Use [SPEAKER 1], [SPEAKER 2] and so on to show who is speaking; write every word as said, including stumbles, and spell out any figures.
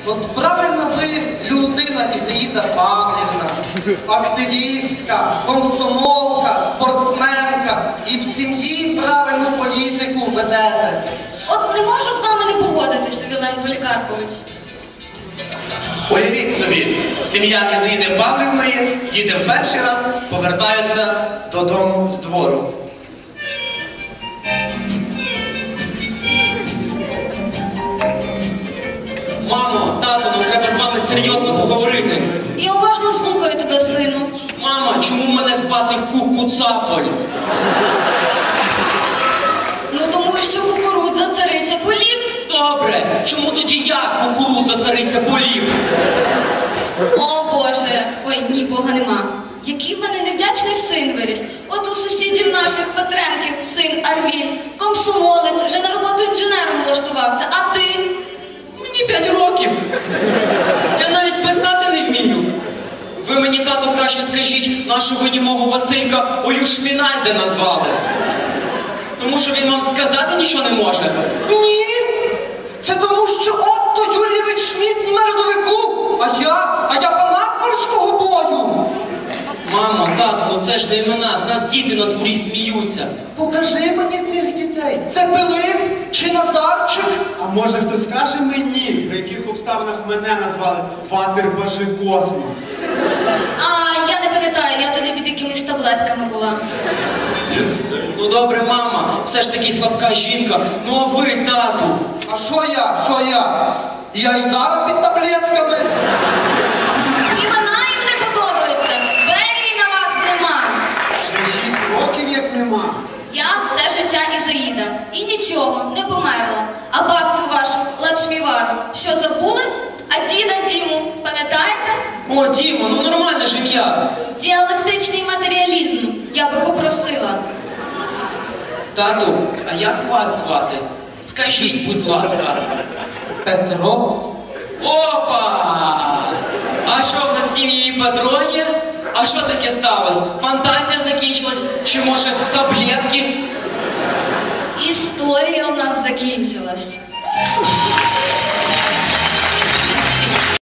[SPEAKER 1] От правильно ви людина Ізаїда Павлівна, активістка, комсомолка, спортсменка і в сім'ї правильну політику ведете.
[SPEAKER 2] От не можу з вами не погодитися, Вілен Полікарпович.
[SPEAKER 1] Уявіть собі, сім'я Ізаїди Павлівної, діти в перший раз повертаються додому з двору.
[SPEAKER 3] Мамо, тато, нам треба з вами серйозно поговорити.
[SPEAKER 2] Я уважно слухаю тебе, сину.
[SPEAKER 3] Мама, чому мене звати Кукуцаполь?
[SPEAKER 2] Ну тому що кукурудза цариця полів.
[SPEAKER 3] Добре, чому тоді я кукурудза цариця полів?
[SPEAKER 2] О Боже, ой, ні, Бога нема. Який в мене невдячний син виріс. От у сусідів наших Петренків син Арвіль, комсомолець, вже на роботу інженером влаштувався. А ти?
[SPEAKER 3] Мені п'ять років. Я навіть писати не вмію. Ви мені, тато, краще скажіть, нашого німого Василька Оюшмінальде назвали. Тому що він вам сказати нічого не може.
[SPEAKER 1] Ні! Це тому, що Отто Юлійович Шмідт на льодовику, а я, а я фанат морського бою.
[SPEAKER 3] Мамо, тато, ну це ж не імена, з нас діти на дворі сміються.
[SPEAKER 1] Покажи мені тих дітей. Це Пилип чи Назарчик?
[SPEAKER 4] А може хтось скаже мені, при яких обставинах мене назвали Фатер-Паши Космо?
[SPEAKER 2] А, я не пам'ятаю, я тоді під якимись таблетками була.
[SPEAKER 3] Ну добре, мама, все ж таки слабка жінка. Ну а ви, тату?
[SPEAKER 1] А що я? Що я? Я і зараз під таблетками.
[SPEAKER 2] І вона їм не подобається. Берії на вас нема.
[SPEAKER 4] Вже шість років як нема.
[SPEAKER 2] Я все життя Ізаїда. І нічого, не померла. А бабцю вашу, Лачмівару, що забули? А діда Діму, пам'ятаєте?
[SPEAKER 3] О, Діма, ну нормальне ж ім'я.
[SPEAKER 2] Діалектичний матеріалізм. Я би попросила.
[SPEAKER 3] Тату, а як вас звати? Скажіть, будь ласка.
[SPEAKER 1] Петро?
[SPEAKER 3] Опа! А що в нас в сім'ї Петро є? А що таке сталося? Фантазія закінчилась? Чи може таблетки?
[SPEAKER 2] Історія у нас закінчилась.